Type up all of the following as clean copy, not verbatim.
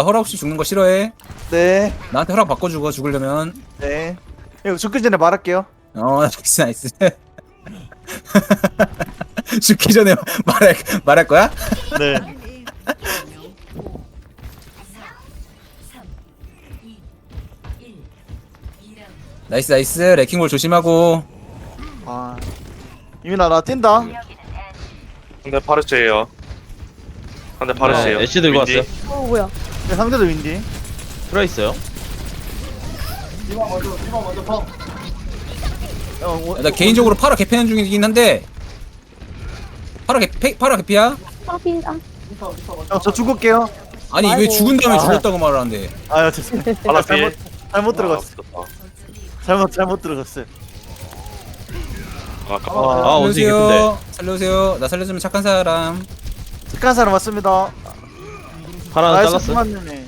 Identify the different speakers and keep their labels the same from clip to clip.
Speaker 1: 허락 없이 죽는 거 싫어해.
Speaker 2: 네.
Speaker 1: 나한테 허락 바꿔주고 죽으려면.
Speaker 2: 네. 이거 죽기 전에 말할게요.
Speaker 1: 나이스 나이스. 죽기 전에 말할 거야?
Speaker 2: 네.
Speaker 1: 나이스 나이스. 레킹볼 조심하고.
Speaker 2: 아. 이민아 나 뛴다.
Speaker 3: 상대 파르스예요. 상대 파르스예요.
Speaker 4: 애쉬 들고
Speaker 3: 윈디.
Speaker 4: 왔어요.
Speaker 5: 뭐야?
Speaker 2: 네, 상대도 윈디.
Speaker 4: 들어 있어요.
Speaker 1: 나 개인적으로 파라 개패는 중이긴 한데. 파라 개피야?
Speaker 2: 저 죽을게요.
Speaker 1: 아니 왜
Speaker 5: 아이고.
Speaker 1: 죽은 다음에
Speaker 2: 아.
Speaker 1: 죽었다고 말을 하는데.
Speaker 2: 아유 죄송해요.
Speaker 3: 하나
Speaker 2: 잘못
Speaker 3: 피해.
Speaker 2: 잘못 들어갔어. 잘못 들어갔어요.
Speaker 4: 아 원숭이 근데
Speaker 1: 살려주세요. 나 살려주면 착한 사람.
Speaker 2: 착한 사람 왔습니다.
Speaker 4: 하나 잘랐어.
Speaker 2: 만년에.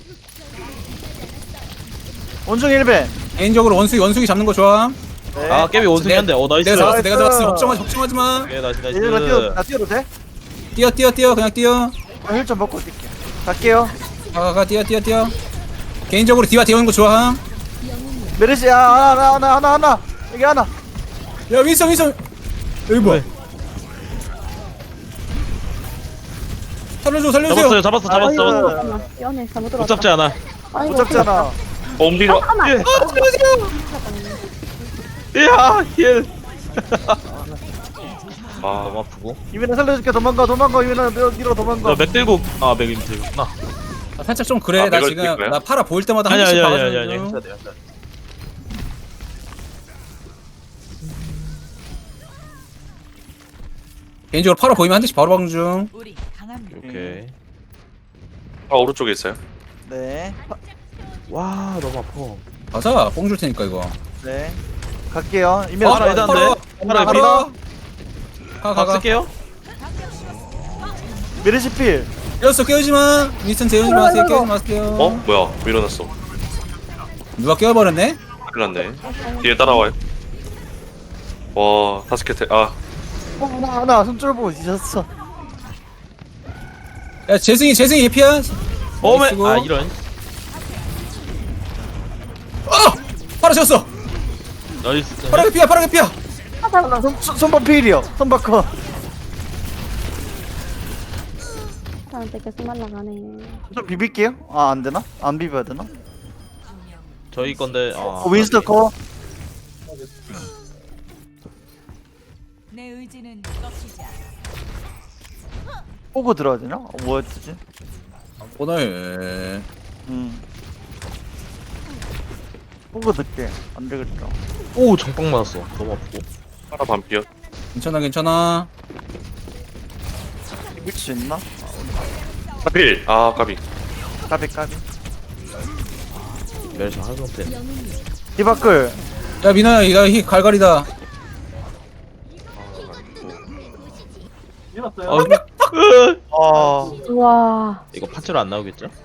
Speaker 2: 원중 1배.
Speaker 1: 개인적으로 원숭이 잡는 거 좋아.
Speaker 2: 네.
Speaker 4: 아 깨비 원숭이한데. 나이스.
Speaker 1: 내가 잡았어. 걱정하지 마.
Speaker 4: 오케이 나이스
Speaker 2: 얘들아
Speaker 4: 나이스.
Speaker 2: 나 뛰어도 돼?
Speaker 1: 뛰어 그냥 뛰어.
Speaker 2: 힐좀 먹고 뛸게. 갈게요.
Speaker 1: 가 뛰어. 개인적으로 디바 뛰어오는 거 좋아.
Speaker 2: 메르시 하나 여기 하나.
Speaker 1: 야 윈선 여기 뭐야? 살려주세요.
Speaker 4: 잡았어.
Speaker 5: 잠깐만. 연애 잘못
Speaker 4: 못
Speaker 5: 들어왔다.
Speaker 4: 잡지 않아.
Speaker 5: 아이고,
Speaker 2: 못 잡잖아.
Speaker 3: 옴디로.
Speaker 4: 이야 힐.
Speaker 3: 아,
Speaker 4: 너무 아프고.
Speaker 2: 이민아 살려줄게. 도망가 이민아 뒤로 도망가.
Speaker 4: 나맥 들고 맥 들구나.
Speaker 1: 살짝 좀 그래.
Speaker 3: 아,
Speaker 1: 나
Speaker 3: 이걸
Speaker 1: 지금
Speaker 3: 뛸 거야?
Speaker 1: 나 파라 보일 때마다 한
Speaker 4: 아니
Speaker 1: 번씩
Speaker 4: 아니
Speaker 1: 봐가지고.
Speaker 4: 해야 돼.
Speaker 1: 개인적으로 파라 보이면 한 대씩 바로 박는 중.
Speaker 4: 오케이.
Speaker 3: 아 오른쪽에 있어요.
Speaker 2: 네.
Speaker 4: 와 너무 아파.
Speaker 1: 가자. 뽕 줄 테니까 이거.
Speaker 2: 네. 갈게요. 이민아
Speaker 4: 파라
Speaker 2: 살려.
Speaker 4: 해단데. 파라 비.
Speaker 1: 가.
Speaker 4: 쓸게요.
Speaker 2: 메르시 필.
Speaker 1: 깨우지 마. 윈스턴 재우지 마세요. 깨우지 마세요.
Speaker 3: 어? 뭐야? 밀어놨어.
Speaker 1: 누가 깨워버렸네?
Speaker 3: 큰일 났네. 뒤에 따라와요. 와, 다스켓. 아,
Speaker 2: 하나 손절 보고 뒤졌어.
Speaker 1: 야 재승이 예피야.
Speaker 4: 어메.
Speaker 1: 나이스고.
Speaker 4: 아 이런.
Speaker 1: 파라 졌어.
Speaker 4: 나이스.
Speaker 1: 파라 개피야.
Speaker 2: 하나 손바 필이요. 손바 커.
Speaker 5: 사람한테 계속 날라가네.
Speaker 2: 좀 비빌게요. 아 안 되나? 안 비벼야 되나?
Speaker 4: 저희 건데. 아.
Speaker 2: 윈스터 커.
Speaker 6: 내 의지는 꺾이지 않아.
Speaker 2: 보고 들어야 되나? 뭐였지?
Speaker 1: 오늘
Speaker 2: 보고 듣게. 안 되겠다.
Speaker 4: 오 정빵 맞았어. 너무 아프고.
Speaker 3: 하나 반피요.
Speaker 1: 괜찮아.
Speaker 2: 이길 수 있나?
Speaker 3: 하필. 아, 까비.
Speaker 2: 까비.
Speaker 4: 멜시 한 상태.
Speaker 2: 디바클.
Speaker 1: 야 민아야 이거 갈갈이다.
Speaker 4: 어,
Speaker 2: 아.
Speaker 5: 우와.
Speaker 4: 이거 파츠로 안 나오겠죠?